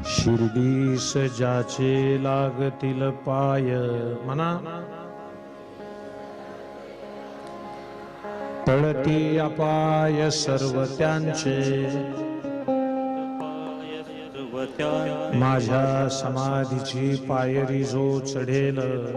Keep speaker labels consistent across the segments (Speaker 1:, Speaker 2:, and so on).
Speaker 1: शिर्डीस ज्याचे लागतील पाय म्हणा टळती अपाय सर्व त्यांचे माझ्या समाधीची पायरी जो चढेल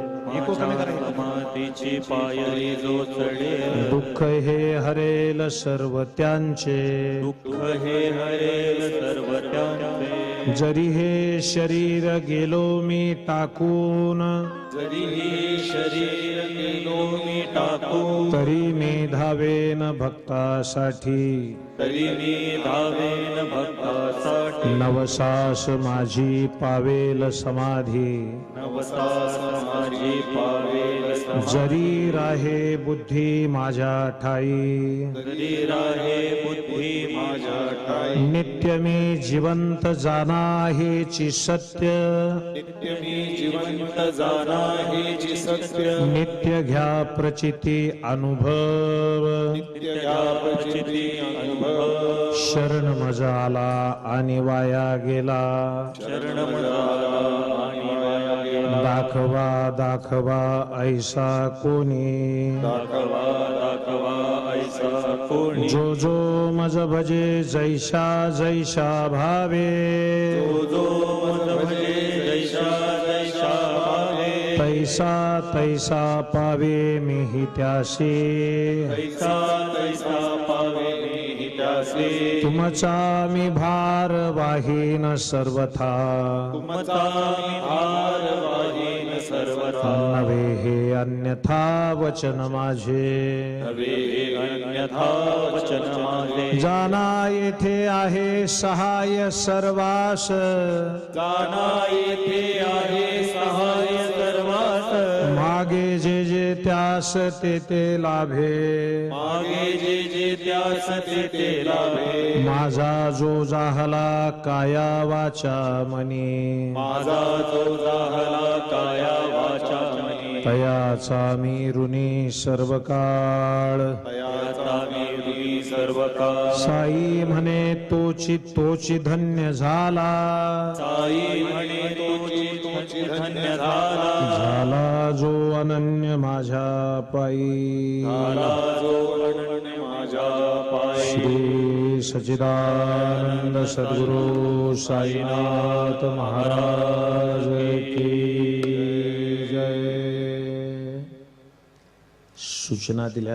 Speaker 2: समाधीची पायरी जो चढेल
Speaker 1: दुःख हे हरेल सर्व त्यांचे
Speaker 2: दुःख हे हरेल सर्व त्यांचे
Speaker 1: जरी हे शरीर गेलो मी टाकून
Speaker 2: जरी हे शरीर गेलो मी टाकून
Speaker 1: तरी मी धावेन भक्तासाठी
Speaker 2: तरी मी धावेन भक्तासाठी
Speaker 1: नवसास माझी पावेल समाधी
Speaker 2: नवसास माझी पावेल समाधी
Speaker 1: जरी राहे बुद्धी माझ्या ठाई
Speaker 2: जरी राहे बुद्धी माझ्या ठाई
Speaker 1: नित्य मी जिवंत जाना हेची सत्य
Speaker 2: नित्य मी जिवंत जाना हेची सत्य
Speaker 1: नित्य घ्या प्रचिती अनुभव
Speaker 2: नित्य घ्या प्रचिती अनुभव
Speaker 1: शरण मजा आला आणि वाया गेला
Speaker 2: शरण मजाला आणि वाया गेला
Speaker 1: दाखवा दाखवा ऐसा कोणी
Speaker 2: दाखवा दाखवा ऐसा कोणी
Speaker 1: जो जो मज भजे जैसा जैसा भावे
Speaker 2: जो जो मज भजे जैसा जैसा भावे
Speaker 1: तैसा तैसा पावे मीही त्यासी
Speaker 2: तैसा तैसा पावे मी त्यासे
Speaker 1: तुमचा मी भार वाहीन सर्वथा
Speaker 2: तुमचा मी भार वाहीन सर्वथा
Speaker 1: नवे हे अन्यथा वचन माझे
Speaker 2: नवे अन्यथा वचन माझे
Speaker 1: जाना येथे आहे सहाय सर्वास
Speaker 2: जाना येथे आहे सहाय सर्वास
Speaker 1: मागे जे जे त्यास ते ते लाभे
Speaker 2: मागे जे जे त्यास ते लाभे
Speaker 1: माझा जो जाहला काया वाचा मनी
Speaker 2: माझा जो जाहला काया वाचा मनी
Speaker 1: तयाचा मी ऋणी सर्व काळ
Speaker 2: तयाचा मी ऋणी सर्व काळ
Speaker 1: साई म्हणे तोची धन्य झाला
Speaker 2: साई म्हणे तोची धन्य झाला
Speaker 1: झाला जो अनन्य माझ्या पायी
Speaker 2: झाला जो अनन्य माझ्या पायी
Speaker 1: श्री सच्चिदानंद सद्गुरु साईनाथ महाराज की जय. सूचना दिल्या.